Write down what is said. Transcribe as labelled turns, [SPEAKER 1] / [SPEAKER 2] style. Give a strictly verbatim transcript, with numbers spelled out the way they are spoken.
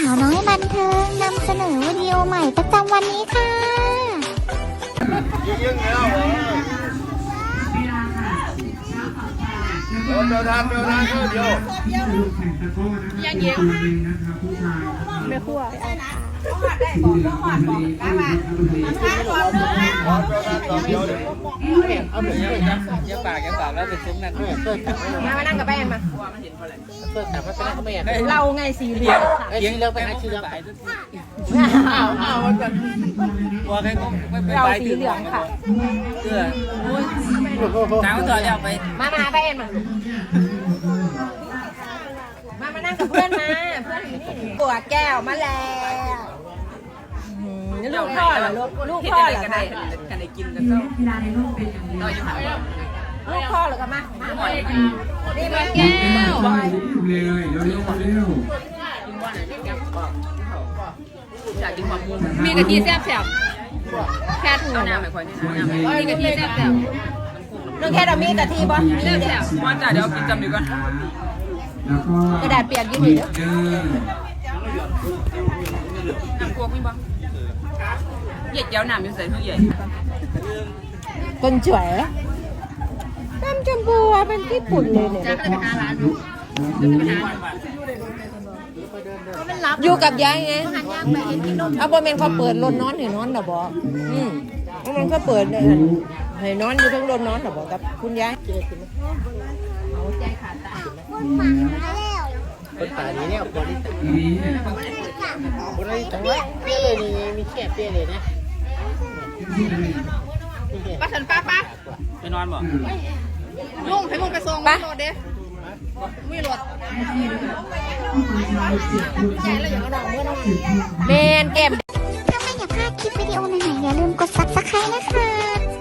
[SPEAKER 1] าวน้อยบันเทิงนำเสนอวิดีโอใหม่ประจำวันนี้ค่ะ
[SPEAKER 2] ยิงแล้วเดินทางเดินทางเดียวยังเยอะ
[SPEAKER 1] ไม่คั่ว
[SPEAKER 3] เอาเหมือนยังปากยังปากแล้วเป็นซุ้มนั่น
[SPEAKER 4] มามานั่งกับแป้งมา
[SPEAKER 3] เพื่อแต่ว่าเป็นก็ไม่อยาก
[SPEAKER 4] เราไงสีเหลือง
[SPEAKER 3] เลี้ยงเลิกไปหาชื่อไปเอาเอาวันก่อนว่าใครก็ไม่ไป
[SPEAKER 4] เราสีเหลืองค่ะ
[SPEAKER 3] เสื้อน้ำต่อแล้วไป
[SPEAKER 4] มามาแป้งมามามานั่งกับเพื่อนมาเพื่อนอยู่นี่ปวดแก้วมาแล้วลูกพ่อเหรอลูกลูกพ่อเหรอคะ
[SPEAKER 3] กันได้กินกันก็ต่อยังไง
[SPEAKER 4] ลูกพ่อเหรอคะมามานี่มาแก้ว
[SPEAKER 5] เร็วเร็วเร็วเร็ว
[SPEAKER 4] มีกะทิแซ่บแซ่บแค่ถุงน้ำไม่ค่อยนี่มีกะทิแซ่บแซ่บเรื่องแค่เรามีกะทิบ่แซ่บแซ่บ
[SPEAKER 3] ว่าจ่าเดี๋ยวกินจำดีก่อน
[SPEAKER 5] แล้วก็
[SPEAKER 4] กระดาษเปียกยืดหยุ่น
[SPEAKER 3] น้ำกวกมีบ้างเหยียดเย้าน้ำอยู่ใส่ทุกอย่าง
[SPEAKER 4] คนสวยน้ำชมพูเป็นญี่ปุ่นเลยเนี่ยอยู่กับยายไงเอาบอมเมนเขาเปิดรถนอนให้นอนหรอบอกอืมมันก็เปิดเลยให้นอนอยู่ทั้งรถนอนหรอบอกกับคุณยาย
[SPEAKER 3] คนตาดีเนี่ยคนนี้คนนี้จังเลยเปี้ยเลยนี่มีแค่เปี้ยเลยนะ
[SPEAKER 4] ป้าฉันป้าป้า
[SPEAKER 3] ไปนอนบ่
[SPEAKER 4] ลุงให้มึงไปส่งป้ารถเด้มีรถแกแล้วอย่างนั้นเมื่อนั้นเมนเกม
[SPEAKER 1] ถ้าไม่อยากพลาดคลิปวิดีโอใหม่ๆอย่าลืมกด ซับสไครบ์ นะคะ